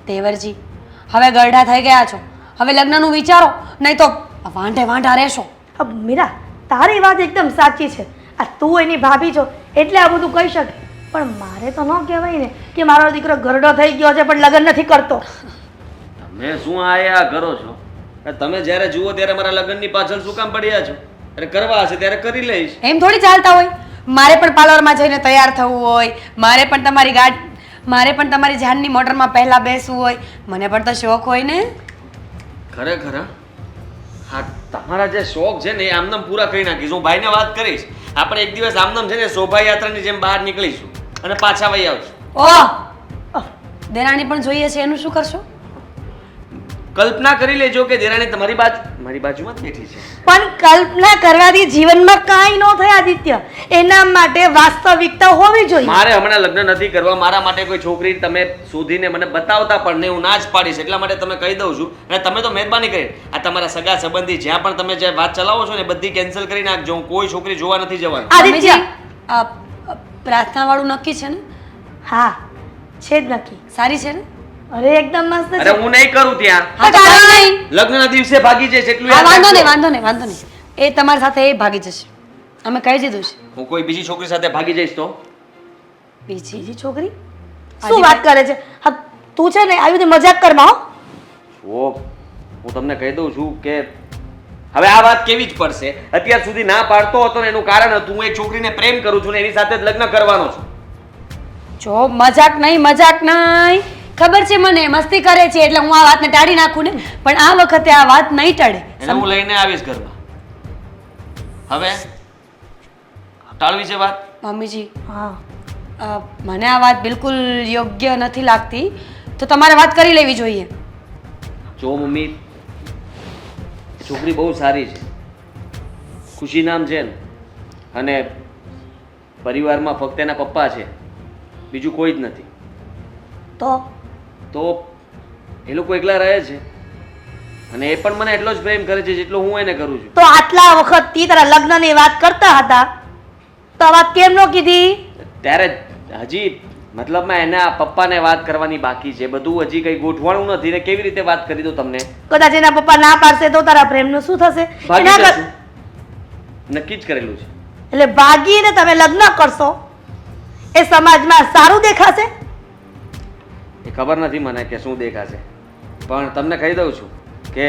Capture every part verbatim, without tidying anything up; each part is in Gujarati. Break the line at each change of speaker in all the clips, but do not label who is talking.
દેવરજી, હવે ગરડા થઈ ગયા છો, હવે લગ્નનું વિચારો, નહીં તો વાંઢે વાંઢા રહેશો.
અબ મીરા, તારી વાત એકદમ સાચી છે. આ તું એની ભાભી છો એટલે આ બધું કહી શકે, પણ મારે તો ન કહેવાય ને કે મારો દીકરો ગરડો થઈ ગયો છે પણ લગ્ન નથી કરતો.
તમે શું આયા કરો છો? તમે જ્યારે જુઓ ત્યારે મારા લગ્નની પાછળ શું કામ પડ્યા છો? અરે કરવા હશે ત્યારે કરી લઈશ.
એમ થોડી ચાલતા હોય. મારે પણ પાર્લરમાં જઈને તૈયાર થવું હોય, મારે પણ તમારી ગાડ મારે પણ તમારી જાનની મોટરમાં પહેલા બેસવું હોય, મને પણ તો શોખ હોય ને.
ખરેખર હા, તમારા જે શોખ છે ને એ આમનામ પૂરા કરી નાખીશ. હું ભાઈને વાત કરીશ, આપણે એક દિવસ આમનામ છે ને શોભાયાત્રાની જેમ બહાર નીકળીશું અને પાછા વહી આવશું.
ઓહ, દેરાણી પણ જોઈએ છે, એનું શું કરશો?
કલ્પના કરી લેજો કે દેરાણી તમારી બાજુ મારી બાજુમાં જ બેઠી છે.
પણ કલ્પના કરવાથી જીવનમાં કાંઈ ન થાય આદિત્ય. એના માટે વાસ્તવિકતા હોવી જોઈએ.
મારે હમણાં લગ્ન નથી કરવા. મારા માટે કોઈ છોકરી તમે શોધીને મને બતાવતા પણ નહીં, હું ના જ પાડીશ. એટલા માટે તમે કહી દઉં છું. અને તમે તો મહેરબાની કરી આ તમારા સગા સંબંધી જ્યાં પણ તમે જે વાત ચલાવો છો ને બધી કેન્સલ કરી નાખજો. હું કોઈ છોકરી જોવા નથી જવાનું.
આદિત્ય,
આ પ્રાર્થના વાળું નક્કી છે ને?
હા છે જ નક્કી.
સારી છે ને?
અરે એકદમ મસ્ત
અરે
છે.
હું નહીં કરું ત્યાં.
હા તો કાંઈ નહીં.
લગ્નના દિવસે ભાગી જઈશ એટલું
હા,
યાદ
વાંધો નહીં,
રાખજો.
વાંધો નહીં, વાંધો નહીં. એ તમારી સાથે એ ભાગી જશે, અમે કહી દીધું છે.
હું કોઈ બીજી છોકરી સાથે ભાગી જઈશ તો
બીજી
બીજી છોકરી શું વાત કરે છે? હા તું છે ને આવી રીતે મજાક કરમાં હો.
ઓ હું તમને કહી દઉં છું કે હવે આ વાત કેવી જ પડશે. અત્યાર સુધી ના પાડતો હતો ને એનું કારણ હતું હું એક છોકરીને પ્રેમ કરું છું ને એની સાથે જ લગ્ન કરવાનો છું.
જો મજાક નહીં, મજાક નહીં, ખબર છે મને મસ્તી કરે છે એટલે હું આ વાતને ટાળી નાખું ને, પણ આ વખતે આ વાત નહીં ટળે.
એને હું લઈને આવીશ ઘરમાં. હવે ટાળવી છે વાત?
મમ્મીજી,
હા
અ, મને આ વાત બિલકુલ યોગ્ય નથી લાગતી, તો તમારે વાત કરી લેવી જોઈએ.
જો મમ્મી, એ છોકરી બહુ સારી છે, ખુશી નામ છે ને, અને પરિવારમાં ફક્ત એના પપ્પા છે, બીજું કોઈ જ નથી.
તો
તો એ લોકો એકલા રહે છે અને એ પણ મને એટલો જ પ્રેમ કરે છે જેટલો હું એને કરું છું.
તો આટલા વખતથી તારા લગ્નની વાત કરતા હતા તો આ વાત કેમ ન કીધી?
ત્યારે હજી મતલબમાં એના પપ્પાને વાત કરવાની બાકી છે, બધું હજી કંઈ ગોઠવાણું નથી ને કેવી રીતે વાત કરી દઉં તમને?
કદાચ એના પપ્પા ના પાડશે તો તારા પ્રેમનું શું થશે?
ભાગી
એના કર-
જશું. નક્કી જ કરેલું છે.
એટલે ભાગીને તમે લગ્ન કરશો એ સમાજમાં સારું દેખાશે?
એ ખબર નથી મને કે શું દેખાશે, પણ તમને કહી દઉં છું કે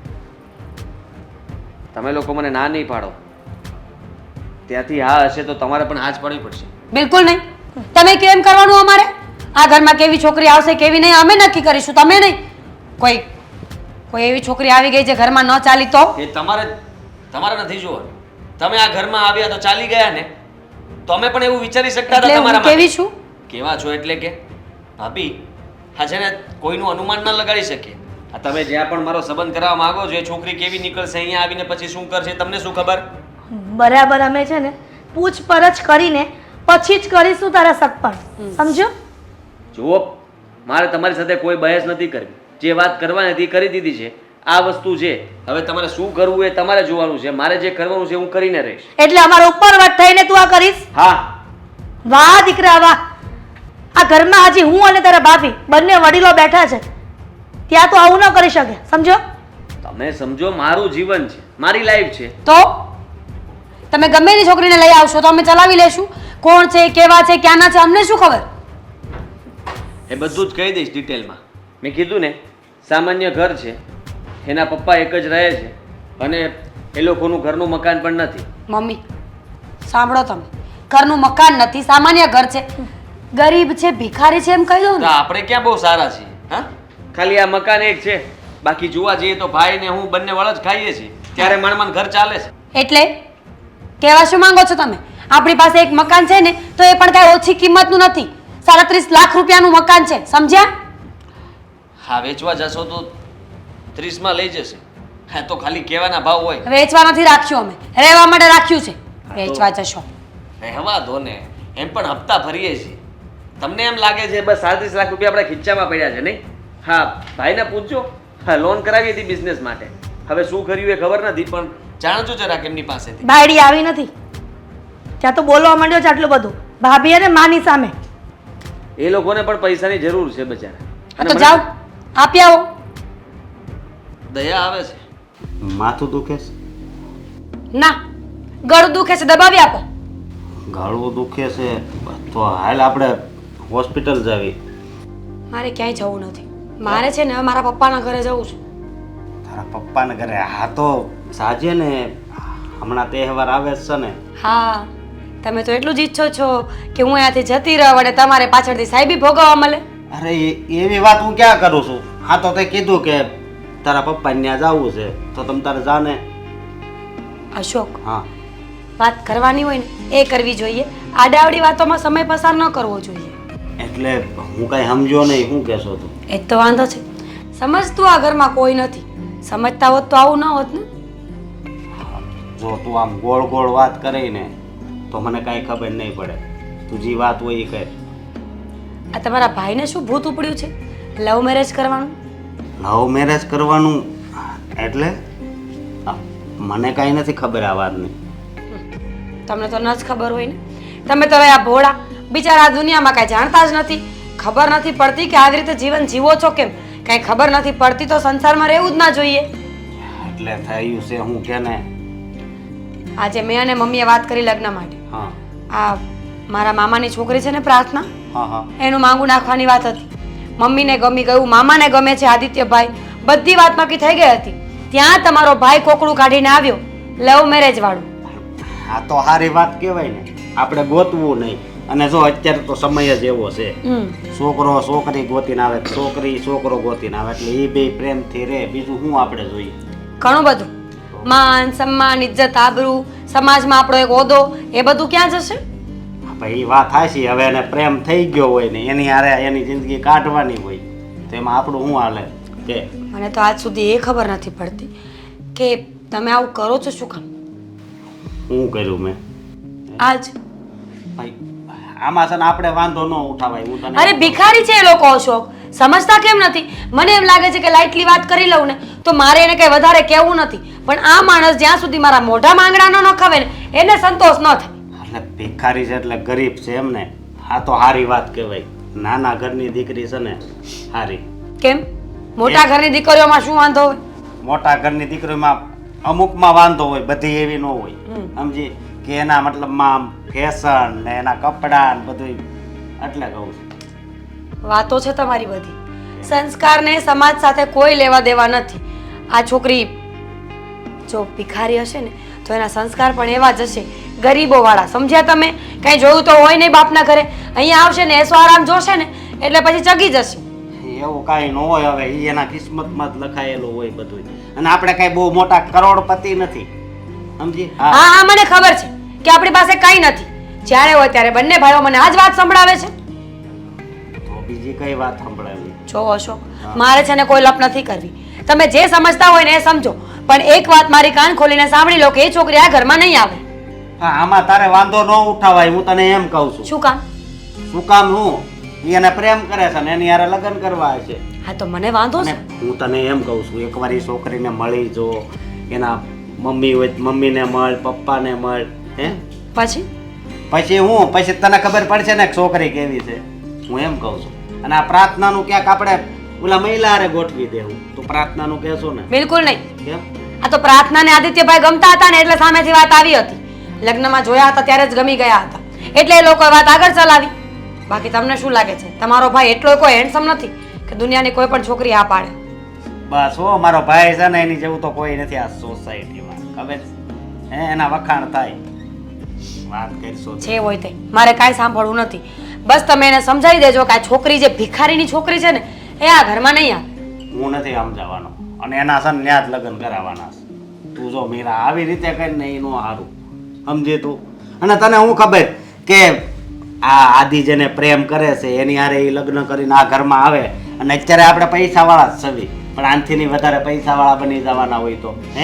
તમે લોકો મને ના નહીં પાડો ત્યાંથી હા હશે તો તમારે પણ હા જ પાડવી પડશે.
બિલકુલ નહીં. તમે કેમ કરવાનું અમારે? આ ઘરમાં કેવી છોકરી આવશે કેવી નહીં અમે નક્કી કરીશું, તમે નહીં. કોઈ કોઈ એવી છોકરી આવી ગઈ જે ઘરમાં ન ચાલી તો?
એ તમારે તમારે નથી જોવાનું. તમે આ ઘરમાં આવ્યા તો ચાલી ગયા ને, તો અમે પણ એવું વિચારી શકતા
એટલે
હતા
હું
તમારા
કેવી
માટે.
છું?
કેવા છો એટલે કે ભાભી હા છે ને કોઈનું અનુમાન ન લગાડી શકીએ. આ તમે જ્યાં પણ મારો સંબંધ કરાવવા માંગો છો એ છોકરી કેવી નીકળશે, અહીંયા આવીને પછી શું કરશે તમને શું ખબર?
બરાબર, અમે છે ને પૂછપરછ કરીને પછી જ કરીશું તારા સગપણ, સમજો?
જુઓ, મારે તમારી સાથે કોઈ બહેસ નથી કરવી. જે વાત કરવાની હતી એ કરી દીધી છે. આ વસ્તુ છે, હવે તમારે શું કરવું એ તમારે જોવાનું છે. મારે જે કરવાનું છે હું કરીને રહીશ.
એટલે અમારો ઉપરવટ થઈને તું આ કરીશ?
હા.
વાહ દીકરા વાહ! આ ઘરમાં હજી હું અને તારા ભાભી બંને વડીલો બેઠા છે, ત્યાં તો આવું ન કરી શકે, સમજો?
તમે સમજો, મારું જીવન છે, મારી લાઈફ છે.
તો તમે ગમે એની છોકરીને લઈ આવશો તો અમે ચલાવી લેશું. કોણ છે, કેવા છે, ક્યાંના છે, અમને શું ખબર?
એ બધું જ કહી દઈશ ડિટેલમાં. મેં કીધું ને સામાન્ય ઘર છે, એના પપ્પા એક જ રહે છે અને એ લોકોનું ઘરનું મકાન પણ નથી.
મમ્મી સાંભળો, તમે ઘરનું મકાન નથી, સામાન્ય ઘર છે, ગરીબ છે, ભિખારી છે એમ કહી દઉં
તો
ને.
આપણે ક્યાં બહુ સારા છીએ? હા, ખાલી આ મકાન એક છે, બાકી જોવા જઈએ તો ભાઈ ને હું બંને વળ જ ખાઈએ છીએ, ત્યારે માણમાન ઘર ચાલે છે.
એટલે કહેવા શું માંગો છો તમે? આપણી પાસે એક મકાન છે ને તો એ પણ કાંઈ ઓછી કિંમતનું નથી, સાડત્રીસ લાખ રૂપિયાનું મકાન છે, સમજ્યા?
હા, વેચવા જશો તો ત્રીસમાં લઈ જશે. હા, તો ખાલી કહેવાના ભાવ હોય.
વેચવા નથી રાખ્યું, અમે રહેવા માટે રાખ્યું છે. વેચવા જશો
રહેવા દો ને, એમ પણ હપ્તા ભરીએ છીએ. તમને એમ લાગે છે બસ સાડત્રીસ લાખ રૂપિયા આપણા ખીચામાં પડ્યા છે નહીં? હા, ભાઈને પૂછજો. હા, લોન કરાવી હતી બિઝનેસ માટે, હવે શું કર્યું એ ખબર નથી, પણ જાણજો જરાક એમની પાસેથી.
બાયડી આવી નથી ત્યાં તો બોલવા માંડ્યો છે આટલું બધું ભાભી અને માની સામે.
એ લોકોને પણ પૈસાની જરૂર છે બચારા.
હા તો જાઓ, આપી આવો.
દયા આવે છે.
માથું દુખે છે,
ના, ગળું દુખે છે, દબાવી આપો.
ગળું દુખે છે, તો હાલ આપણે હોસ્પિટલ જાવી.
મારે ક્યાંય જવું નથી. મારે છે ને હવે મારા પપ્પાના ઘરે જવું છે.
તારા પપ્પાને ઘરે? હા તો સાજે ને, હમણાં તહેવાર આવે જ છે ને.
હા, તમે તો એટલું જ ઈચ્છો છો કે હું અહીંયાથી જતી રહું અને તમારે પાછળથી સાહેબી ભોગવવા મળે.
અરે એ- એવી વાત હું ક્યાં કરું છું? હા તો તે કીધું કે તારા પપ્પાને ત્યાં જવું છે તો તમ તારે જાને.
અશોક,
હા
વાત કરવાની હોય ને એ કરવી જોઈએ. આડાવડી વાતોમાં સમય પસાર ન કરવો જોઈએ.
એટલે હું કાંઈ સમજ્યો નહીં, શું કહેશો તું?
એ જ તો વાંધો છે. સમજતું આ ઘરમાં કોઈ નથી. સમજતા હોત તો આવું ન હોત ને.
જો તું આમ ગોળ ગોળ વાત કરી ને તો મને કાંઈ ખબર નહીં પડે. તું જે વાત હોય એ કહે.
આ તમારા ભાઈને શું ભૂત ઉપડ્યું છે? લવ મેરેજ કરવાનું?
લવ મેરેજ કરવાનું એટલે? આ, મને કાંઈ નથી ખબર આ વાતની.
તમને તો ન જ ખબર હોય ને. તમે તો હવે આ ભોળા બિચારા આ દુનિયામાં કાંઈ જાણતા જ નથી. ખબર નથી પડતી કે આવી રીતે જીવન જીવો છો કેમ. કાંઈ ખબર નથી પડતી તો સંસારમાં રહેવું જ ના જોઈએ.
એટલે થયું છે હું કે ને.
આજે મેં અને મમ્મીએ વાત કરી લગ્ન માટે.
હા
આ મારા મામાની છોકરી છે ને પ્રાર્થના,
હા હા
એનું માંગુ નાખવાની વાત હતી. મમ્મીને ગમી ગયું, મામાને ગમે છે આદિત્યભાઈ, બધી વાત નક્કી થઈ ગઈ હતી. ત્યાં તમારો ભાઈ કોકડું કાઢીને આવ્યો, લવ મેરેજ વાળું.
આ તો સારી વાત કહેવાય ને. આપણે ગોતવું નહીં. અને જો અત્યારે તો સમય જ એવો છે,
હમ
છોકરો છોકરી ગોતીને આવે, છોકરી છોકરો ગોતીને આવે, એટલે એ બે પ્રેમથી રહે. બીજું શું આપણે જોઈએ?
ઘણું બધું. માન સન્માન, ઇજ્જત, આબરૂ, સમાજમાં આપણો એક હોદ્દો, એ બધું ક્યાં જશે?
ભાઈ વાત હાચી. હવે એને પ્રેમ થઈ ગયો હોય ને એની હારે એની જિંદગી કાઢવાની હોય તો એમાં આપણું શું હાલે કે?
મને તો આજ સુધી એ ખબર નથી પડતી કે તમે આવું કરો છો શું કામ?
શું કર્યું મેં?
આજ
ભાઈ આમાં છે ને આપણે વાંધો ન ઉઠાવાય. હું તને
અરે ભિખારી છે એ લોકો અશોક, સમજતા કેમ નથી? મને એમ લાગે છે કે લાઇટલી વાત કરી લઉં ને તો મારે એને કઈ વધારે કહેવું નથી, પણ આ માણસ જ્યાં સુધી મારા મોઢા માંગડા ન નખાવે ને એને સંતોષ ન થાય.
એટલે ભિખારી છે એટલે ગરીબ છે એમ ને. આ તો સારી વાત કહેવાય. નાના ઘરની દીકરી છે ને સારી.
કેમ? મોટા ઘરની દીકરીઓમાં શું વાંધો હોય?
મોટા ઘરની દીકરીમાં અમુકમાં વાંધો હોય, બધી એવી ન હોય.
હમ.
સમજી કે એના મતલબમાં ફેશન ને એના કપડાં ને બધું. એટલે કહું છું.
વાતો છે તમારી બધી. સંસ્કારને સમાજ સાથે કોઈ લેવા દેવા નથી. આ છોકરી જો ભિખારી હશે ને તો એના સંસ્કાર પણ એવા જ હશે, ગરીબો વાળા. સમજ્યા તમે? કઈ જોયું તો હોય નહીં બાપના ઘરે. અહીંયા આવશે ને એસો આરામ જોશે ને એટલે પછી ચગી જશે.
એવું કાંઈ ન હોય. હવે ઈ એના કિસ્મતમાં જ લખાયેલું હોય બધું. અને આપણે કાંઈ બહુ મોટા કરોડપતિ નથી. સમજી?
હા હા, મને ખબર છે કે આપણી પાસે કઈ નથી. જ્યારે હોય ત્યારે બંને ભાઈઓ મને આ જ વાત સંભળાવે છે.
તો બીજી કઈ વાત સંભળાવી?
જો અશોક, મારે છે ને કોઈ લપ નથી કરવી. તમે જે સમજતા હોય ને એ સમજો, પણ એક વાત મારી કાન ખોલીને સાંભળી લો કે એ છોકરી આ ઘરમાં નહીં આવે.
હા આમાં તારે વાંધો ન ઉઠાવાય. હું તને એમ કહું છું.
શું કામ?
શું કામ? હું ઈ એને પ્રેમ કરે છે ને એની હારે લગ્ન કરવા છે.
હા તો મને વાંધો
અને
છે.
હું તને એમ કહું છું, એકવાર એ છોકરીને મળી જો. એના મમ્મી હોય તો મમ્મીને મળ, પપ્પાને મળ. હે
પછી
પછી હું પછી તને ખબર પડશે ને કે છોકરી કેવી છે. હું એમ કહું છું. અને આ પ્રાર્થનાનું ક્યાંક આપણે ઓલા મહિલા હારે ગોઠવી દેવું. તું પ્રાર્થનાનું કહેશો ને?
બિલકુલ નહીં.
કેમ?
આ તો પ્રાર્થના ને આદિત્યભાઈ ગમતા હતા ને એટલે સામેથી વાત આવી હતી. લગ્નમાં જોયા હતા ત્યારે જ ગમી ગયા હતા એટલે એ લોકોએ વાત આગળ ચલાવી. બાકી તમને શું લાગે છે તમારો ભાઈ એટલો કોઈ હેન્ડસમ નથી કે દુનિયાની કોઈ પણ છોકરી આ પાડે?
બસ હો, મારો ભાઈ છે ને એની જેવું તો કોઈ નથી આ સોસાયટીમાં. ખબર છે? હે એના વખાણ થાય. વાત કરશો
છે હોય તે મારે કાંઈ સાંભળવું નથી. બસ તમે એને સમજાવી દેજો કે આ છોકરી જે ભિખારીની છોકરી છે ને એ આ ઘરમાં નહીં આવે.
હું નથી સમજાવવાનો. અને એના છે ને ત્યાં જ લગ્ન કરાવવાના છે. તું જો મીરા આવી રીતે કરીને એનું સારું સમજે તું. અને તને હું ખબર કે આ આદિ જેને પ્રેમ કરે છે એની હારે એ લગ્ન કરીને આ ઘરમાં આવે અને અત્યારે આપણે પૈસા વાળા જ છવી, પણ આનથી ની વધારે પૈસા વાળા બની જવાના હોય તો હે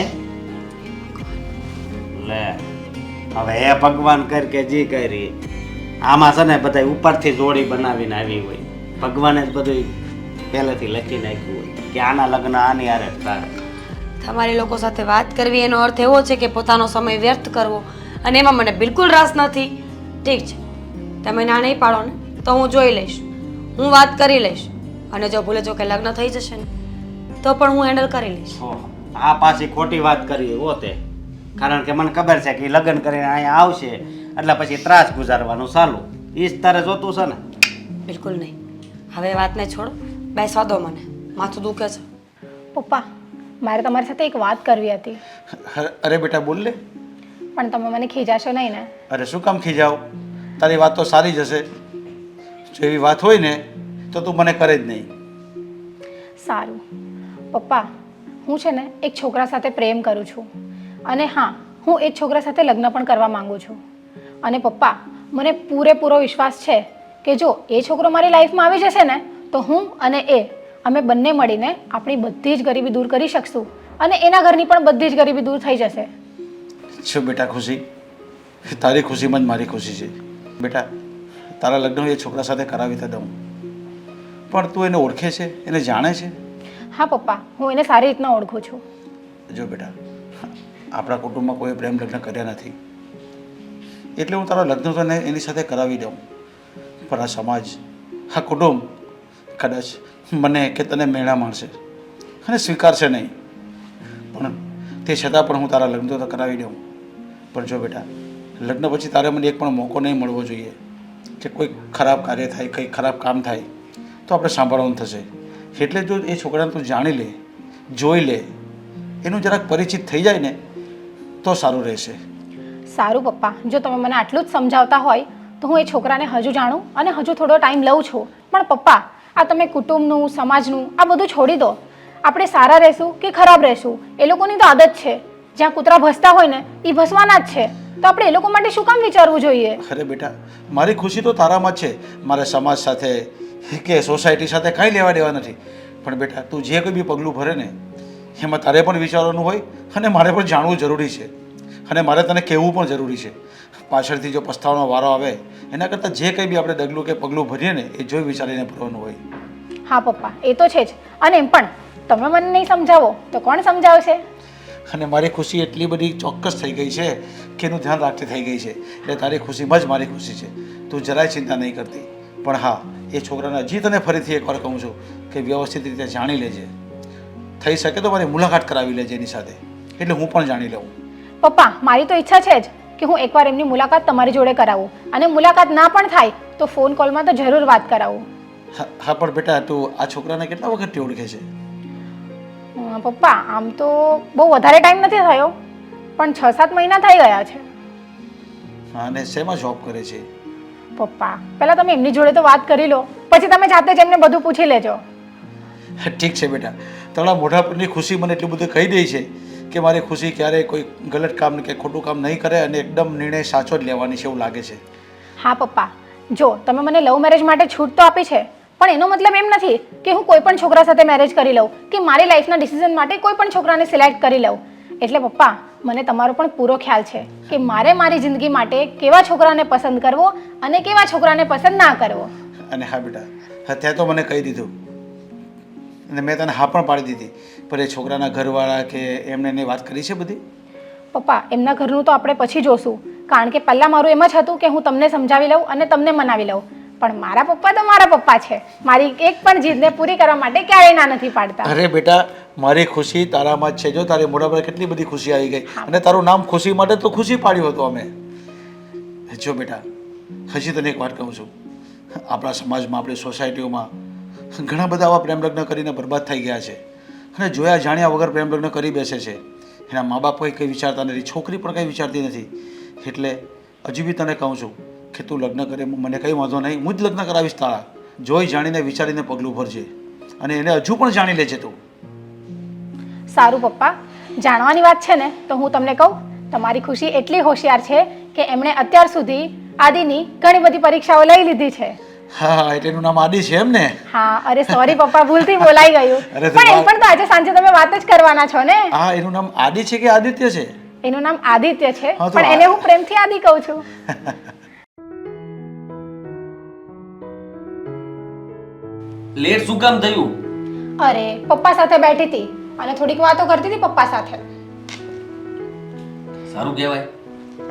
લે. હવે હે ભગવાન કર કે જી કરી. આમાં છે ને બધા ઉપરથી જોડી બનાવીને આવી હોય. ભગવાને જ બધું પહેલેથી લખી નાખ્યું હોય કે આના લગ્ન આની હારે જ થાય.
તમારી લોકો સાથે વાત કરવી એનો અર્થ એવો છે કે પોતાનો સમય વ્યર્થ કરવો, અને એમાં મને બિલકુલ રસ નથી. ઠીક છે, તમે ના નહીં પાડો ને તો હું જોઈ લઈશ, હું વાત કરી લઈશ. અને જો ભૂલે જો કે લગ્ન થઈ જશે ને તો પણ હું હેન્ડલ કરી લઈશ.
ઓહો, આ પાછી ખોટી વાત કરી હો તે. કારણ કે મને ખબર છે કે ઈ લગ્ન કરીને અહીંયા આવશે એટલે પછી ત્રાસ ગુજારવાનું ચાલુ. ઈ જ તારે જોતું છે ને?
બિલકુલ નહીં. હવે એ વાતને છોડો, બેસવા દો મને, માથું દુખે છે.
પપ્પા મારે તમારી સાથે એક વાત કરવી હતી,
અરે અરે બેટા બોલ લે.
પણ તમે મને ખીજાશો નહીં ને?
અરે શું કામ ખીજાવ? તારી વાત તો સારી જ હશે. જો એવી વાત હોય ને તો તું મને કરે જ નહીં.
સારું પપ્પા, હું છે ને એક છોકરા સાથે પ્રેમ કરું છું અને હા, હું એ જ છોકરા સાથે લગ્ન પણ કરવા માંગુ છું. અને પપ્પા મને પૂરેપૂરો વિશ્વાસ છે કે જો એ છોકરો મારી લાઈફમાં આવી જશે ને તો હું અને એ અમે બંને મળીને આપણી બધી જ ગરીબી દૂર કરી શકશું અને એના ઘરની પણ બધી જ ગરીબી દૂર થઈ જશે.
શું બેટા ખુશી? તારી ખુશીમાં જ મારી ખુશી છે. બેટા તારા લગ્ન એ છોકરા સાથે કરાવી તો દઉં, પણ તું એને ઓળખે છે, એને જાણે છે?
હા પપ્પા, હું એને સારી રીતના ઓળખું છું.
જો બેટા, આપણા કુટુંબમાં કોઈ પ્રેમ લગ્ન કર્યા નથી એટલે હું તારા લગ્ન તો એને એની સાથે કરાવી દઉં, પણ આ સમાજ, આ કુટુંબ કદાચ મને કે તને મેળા માણશે અને સ્વીકારશે નહીં. પણ તે છતાં પણ હું તારા લગ્ન તો કરાવી દઉં. પણ જો બેટા, લગ્ન પછી તારે મને એક પણ મોકો નહીં મળવો જોઈએ કે કોઈ ખરાબ કાર્ય થાય, કંઈ ખરાબ કામ થાય તો આપણે સાંભળવાનું થશે. એટલે જો એ છોકરાને તું જાણી લે, જોઈ લે, એનું જરાક પરિચિત થઈ જાય ને તો સારું રહેશે.
સારું પપ્પા, જો તમે મને આટલું જ સમજાવતા હોય તો હું એ છોકરાને હજુ જાણું અને હજુ થોડો ટાઈમ લઉં છું. પણ પપ્પા, આ તમે કુટુંબનું, સમાજનું આ બધું છોડી દો. આપણે સારા રહેશું કે ખરાબ રહેશું એ લોકોની તો આદત છે. જ્યાં કૂતરા ભસતા હોય ને એ ભસવાના જ છે. તો આપણે એ લોકો માટે શું કામ વિચારવું જોઈએ?
અરે બેટા, મારી ખુશી તો તારામાં જ છે. મારે સમાજ સાથે કે સોસાયટી સાથે કાંઈ લેવા દેવા નથી. પણ બેટા, તું જે કોઈ બી પગલું ભરે ને એમાં તારે પણ વિચારવાનું હોય અને મારે પણ જાણવું જરૂરી છે અને મારે તને કહેવું પણ જરૂરી છે. પાછળથી જો પસ્તાવાનો વારો આવે એના કરતાં જે કંઈ બી આપણે ડગલું કે પગલું ભરીએ ને એ જોઈ વિચારીને ભરવાનું હોય.
હા પપ્પા, એ તો છે જ. અને એમ પણ તમે મને નહીં સમજાવો તો કોણ સમજાવશે?
અને મારી ખુશી એટલી બધી ચોક્કસ થઈ ગઈ છે કે એનું ધ્યાન રાખતી થઈ ગઈ છે. એટલે તારી ખુશીમાં જ મારી ખુશી છે. તું જરાય ચિંતા નહીં કરતી. પણ હા, એ છોકરાને હજી તને ફરીથી એકવાર કહું છું કે વ્યવસ્થિત રીતે જાણી લેજે. થઈ શકે તો મારી મુલાકાત કરાવી લેજે એની સાથે, એટલે હું પણ જાણી લઉં.
પપ્પા, મારી તો ઈચ્છા છે જ કે હું એકવાર એમની મુલાકાત તમારી જોડે કરાવું અને મુલાકાત ના પણ થાય તો ફોન કોલમાં તો જરૂર વાત કરાવું.
હા હા, પણ બેટા તું આ છોકરાને કેટલા વખતથી ઓળખે છે?
અ, પપ્પા આમ તો બહુ વધારે ટાઈમ નથી થયો, પણ છ સાત મહિના થઈ ગયા છે.
હા, અને શેમાં જોબ કરે છે?
પપ્પા પહેલા તમે એમની જોડે તો વાત કરી લો, પછી તમે જાતે જ એમને બધું પૂછી લેજો.
ઠીક છે બેટા, તારા મોઢા પરની ખુશી મને એટલું બધું કહી દે છે કે મારી ખુશી ક્યારેય કોઈ ગલત કામ કે ખોટું કામ નહીં કરે અને એકદમ નિર્ણય સાચો જ લેવાની છે એવું લાગે છે.
હા પપ્પા, જો તમે મને લવ મેરેજ માટે છૂટ તો આપી છે, પણ એનો મતલબ એમ નથી કે હું કોઈ પણ છોકરા સાથે મેરેજ કરી લઉં કે મારી લાઈફના ડિસિઝન માટે કોઈ પણ છોકરાને સિલેક્ટ કરી લઉં. એટલે પપ્પા, મને તમારો પણ પૂરો ખ્યાલ છે કે મારે મારી જિંદગી માટે કેવા છોકરાને પસંદ કરવો અને કેવા છોકરાને પસંદ ના કરવો.
અને હા બેટા, અત્યારે તો મને કહી દીધું અને મેં તને હા પણ પાડી દીધી, પણ એ છોકરાના ઘરવાળા કે એમને એની વાત કરી છે બધી?
પપ્પા એમના ઘરનું તો આપણે પછી જોશું, કારણ કે પહેલાં મારું એમ જ હતું કે હું તમને સમજાવી લઉં અને તમને મનાવી લઉં. પણ મારા પપ્પા તો મારા પપ્પા છે, મારી એક પણ જીદને પૂરી કરવા માટે ક્યારેય ના નથી પાડતા.
અરે બેટા, મારી ખુશી તારામાં જ છે. જો તારી મોઢા પર કેટલી બધી ખુશી આવી ગઈ અને તારું નામ ખુશી માટે તો ખુશી પાડ્યું હતું અમે. જો બેટા, હજી તને એક વાત કહું છું, આપણા સમાજમાં, આપણી સોસાયટીઓમાં ઘણા બધા આવા પ્રેમ લગ્ન કરીને બરબાદ થઈ ગયા છે અને જોયા જાણ્યા વગર પ્રેમ લગ્ન કરી બેસે છે. એના મા બાપ કંઈ વિચારતા નથી, છોકરી પણ કંઈ વિચારતી નથી. એટલે હજી બી તને કહું છું કે તું લગ્ન કરે, મને કંઈ વાંધો નહીં, હું જ લગ્ન કરાવીશ તારા. જોઈ જાણીને વિચારીને પગલું ભરજે અને એને હજુ પણ જાણી લેજે તું.
સારું પપ્પા, જાણવાની વાત છે ને તો હું તમને કહું, તમારી ખુશી એટલી હોશિયાર છે કે એમણે અત્યાર સુધી આદિની ઘણી બધી પરીક્ષાઓ લઈ લીધી છે.
હા, એટલે એનું નામ આદિ છે એમ ને?
હા, અરે સોરી પપ્પા, ભૂલથી બોલાઈ ગયું.
અરે તો
પણ એમ
વાત-
પણ તો આજે સાંજે તમે વાત જ કરવાના છો ને.
હા, એનું નામ આદિ છે કે આદિત્ય છે?
એનું નામ આદિત્ય છે,
હા, તો
પણ
આ-
એને હું પ્રેમથી આદિ કહું છું.
લેટ શું કામ થયું?
અરે પપ્પા સાથે બેઠી હતી અને થોડીક વાતો કરતી હતી પપ્પા સાથે.
સારું કહેવાય,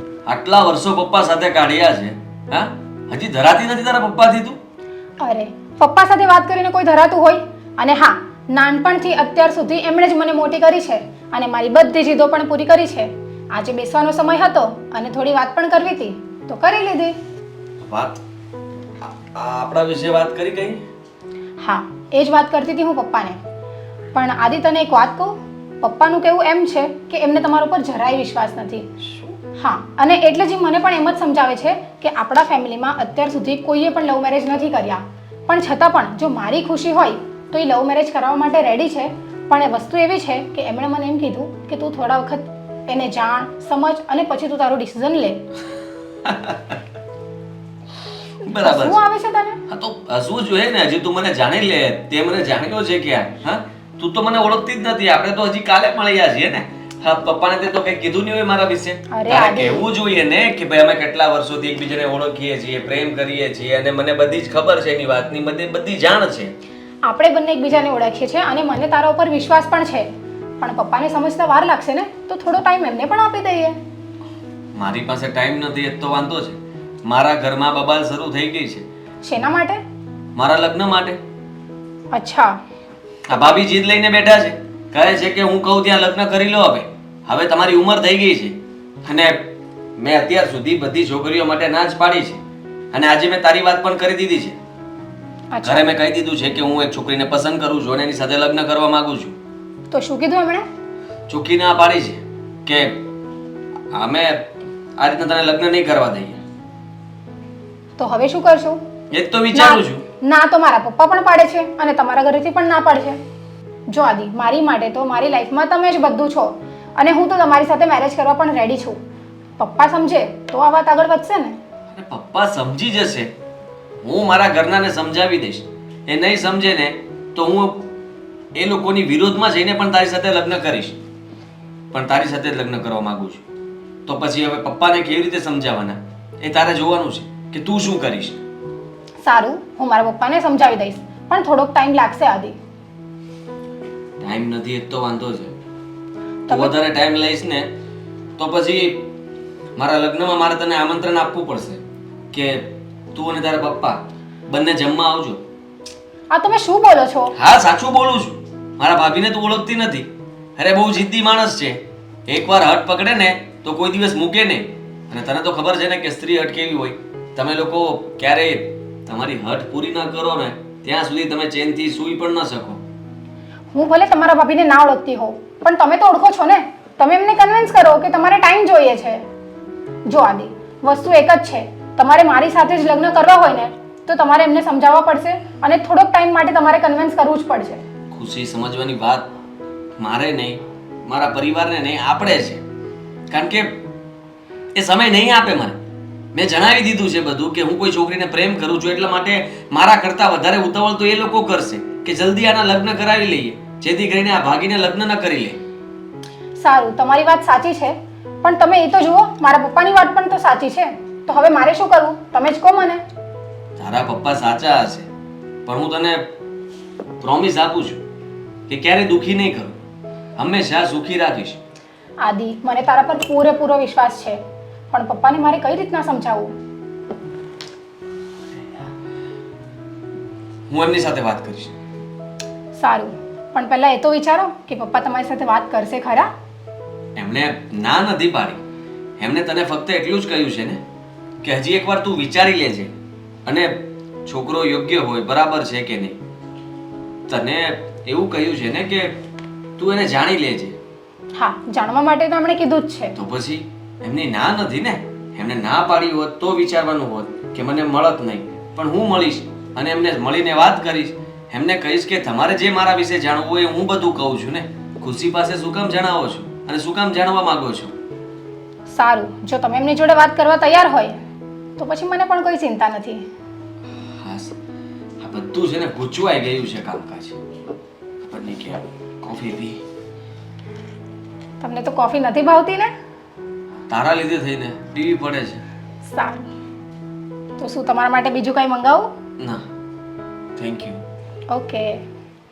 આટલા વર્ષો પપ્પા સાથે કાઢ્યા છે, હા હજી ધરાતી નથી તારા પપ્પાથી તું?
અરે પપ્પા સાથે વાત કરીને કોઈ ધરાતું હોય? અને હા, નાનપણથી અત્યાર સુધી એમણે જ મને મોટી કરી છે અને મારી બધી જીદો પણ પૂરી કરી છે. આજે બેસવાનો સમય હતો અને થોડી વાત પણ કરવી હતી તો કરી લીધી.
વાત આ- આ આપણા વિશે વાત કરી કઈ?
હા, એ જ વાત કરતી હતી હું પપ્પાને. પણ આદિ તને એક વાત કહું, પપ્પાનું કહેવું એમ છે કે એમને તમારા ઉપર જરાય વિશ્વાસ નથી. હા, અને એટલે જ મને પણ એમ જ સમજાવે છે કે આપણા ફેમિલીમાં અત્યાર સુધી કોઈએ પણ લવ મેરેજ નથી કર્યા, પણ છતાં પણ જો મારી ખુશી હોય તો એ લવ મેરેજ કરવા માટે રેડી છે. પણ એ વસ્તુ એવી છે કે એમણે મને એમ કીધું કે તું થોડા વખત એને જાણ, સમજ અને પછી તું તારું ડિસિઝન લે.
બરાબર
શું
છે.
આવે છે તને?
હા તો હસવું જોઈએ ને, હજી તું મને જાણી લે. તે મને જાણ્યો છે ક્યાં? હા, તું તો મને ઓળખતી જ નથી. આપણે તો હજી કાલે મળ્યા છીએ ને. હા, પપ્પાને તે તો કંઈ કીધું નહીં હોય મારા વિશે.
અરે
તારે
આદિ.
કહેવું જોઈએ ને કે ભાઈ અમે કેટલા વર્ષોથી એકબીજાને ઓળખીએ છીએ, પ્રેમ કરીએ છીએ અને મને બધી જ ખબર છે એની વાતની, મને બધી જાણ છે.
આપણે બંને એકબીજાને ઓળખીએ છીએ અને મને તારા ઉપર વિશ્વાસ પણ છે. પણ પપ્પાને સમજતા વાર લાગશે ને, તો થોડો ટાઈમ એમને પણ આપી દઈએ.
મારી પાસે ટાઈમ નથી એ તો વાંધો છે. મારા ઘરમાં બબાલ શરૂ થઈ ગઈ છે.
શેના માટે?
મારા લગ્ન માટે.
અચ્છા,
આ ભાભી જીદ લઈને બેઠા છે. કહે છે કે હું કહું ત્યાં લગ્ન કરી લો. હવે હવે તમારી ઉંમર થઈ ગઈ છે અને મેં અત્યાર સુધી બધી છોકરીઓ માટે ના જ પાડી છે અને આજે મેં તારી વાત પણ કરી દીધી છે. ઘરે
અચ્છા.
મેં કહી દીધું છે કે હું એક છોકરીને પસંદ કરું છું અને એની સાથે લગ્ન કરવા માંગુ છું.
તો શું કીધું એમણે?
ચોખ્ખી ના પાડી છે કે અમે આ રીતના તને લગ્ન નહીં કરવા દઈએ.
તો હવે શું કરશું?
એ જ તો વિચારું છું.
ના ના તો મારા પપ્પા પણ પાડે છે અને તમારા ઘરેથી પણ ના પાડે છે. જો આદિ, મારી માટે તો મારી લાઈફમાં તમે જ બધું છો અને હું તો તમારી સાથે મેરેજ કરવા પણ રેડી છું. પપ્પા સમજે તો આ વાત આગળ વધશે ને.
અને પપ્પા સમજી જશે. હું મારા ઘરનાને સમજાવી દઈશ. એ નહીં સમજે ને તો હું એ લોકોની વિરોધમાં જઈને પણ તારી સાથે લગ્ન કરીશ. પણ તારી સાથે જ લગ્ન કરવા માંગુ છું. તો પછી હવે પપ્પાને કેવી રીતે સમજાવવાના એ તારે જોવાનું છે કે તું શું કરીશ.
સારું, હું મારા પપ્પાને સમજાવી દઈશ, પણ થોડોક ટાઈમ લાગશે આદિ.
ટાઈમ નથી એ તો વાંધો છે. તું
તમે-
વધારે ટાઈમ લઈશ ને તો પછી મારા લગ્નમાં મારે તને આમંત્રણ આપવું પડશે કે તું અને તારા પપ્પા બંને જમવા આવજો.
આ તમે શું બોલો છો?
હા, સાચું બોલું છું. મારા ભાભીને તું ઓળખતી નથી. અરે બહુ જિદ્દી માણસ છે. એકવાર હટ પકડે ને તો કોઈ દિવસ મૂકે નહીં. અને તને તો ખબર છે ને કે સ્ત્રી હટ કેવી હોય. તમે લોકો ક્યારેય તમારી હટ પૂરી ન કરો ને ત્યાં સુધી તમે ચેનથી સૂઈ પણ ન શકો.
હું ભલે તમારા ભાભીને ના ઓળખતી હોઉં, પણ તમે તો ઓળખો છો ને. તમે એમને કન્વિન્સ કરો કે તમારે ટાઈમ જોઈએ છે. જો આદિ, વસ્તુ એક જ છે, તમારે મારી સાથે જ લગ્ન કરવા હોય ને તો તમારે એમને સમજાવવા પડશે અને થોડોક ટાઈમ માટે તમારે કન્વિન્સ કરવું જ પડશે.
ખુશી સમજવાની વાત મારે નહીં, મારા પરિવારને નહીં, આપણે છે. કારણ કે એ સમય નહીં આપે મને. મેં જણાવી દીધું છે બધું કે હું કોઈ છોકરીને પ્રેમ કરું છું એટલા માટે મારા કરતાં વધારે ઉતાવળ તો એ લોકો કરશે કે જલ્દી આના લગ્ન કરાવી લઈએ જેથી કરીને આ ભાગીને લગ્ન ન કરી લે.
સારું, તમારી વાત સાચી છે, પણ તમે એ તો જુઓ, મારા પપ્પાની વાત પણ તો સાચી છે. તો હવે મારે શું કરવું તમે જ કહો મને.
તારા પપ્પા સાચા હશે પણ હું તને પ્રોમિસ આપું છું કે ક્યારેય દુઃખી નહીં કરું. હંમેશા સુખી રાખીશ.
આદિ, મને તારા પર પૂરેપૂરો વિશ્વાસ છે, પણ પપ્પાને મારે કઈ રીતના સમજાવવું?
હું એમની સાથે વાત કરીશ.
સારું, પણ પહેલા એ તો વિચારો કે પપ્પા તમારી સાથે વાત કરશે ખરા?
એમણે ના નથી પાડી. એમણે તને ફક્ત એટલું જ કહ્યું છે ને કે હજી એકવાર તું વિચારી લેજે અને છોકરો યોગ્ય હોય બરાબર છે કે નહીં. તને એવું કહ્યું છે ને કે તું એને જાણી લેજે.
હા, જાણવા માટે તો એમણે કીધું જ છે.
તો પછી એમની ના નથી ને. એમને ના પાડી હોત તો વિચારવાનું હોત કે મને મળત નહીં, પણ હું મળીશ અને એમને મળીને વાત કરીશ. એમને કહીશ કે તમારે જે મારા વિશે જાણવું હોય હું બધું કહું છું ને. ખુશી પાસે શું કામ જણાવો છો અને શું કામ જાણવા માંગો છો?
સારું, જો તમે એમની જોડે વાત કરવા તૈયાર હોય તો પછી મને પણ કોઈ ચિંતા નથી.
હા, આ બધું છે ને ગૂંચવાઈ ગયું છે કામકાજ. ખબર નહીં કે કોફી પી.
તમને તો કોફી નથી ભાવતી ને?
તારા લીધે થઈને પીવી પડે છે.
સારું, તો શું તમારા માટે બીજું કંઈ મંગાવું?
ના, થેન્ક યુ.
ઓકે.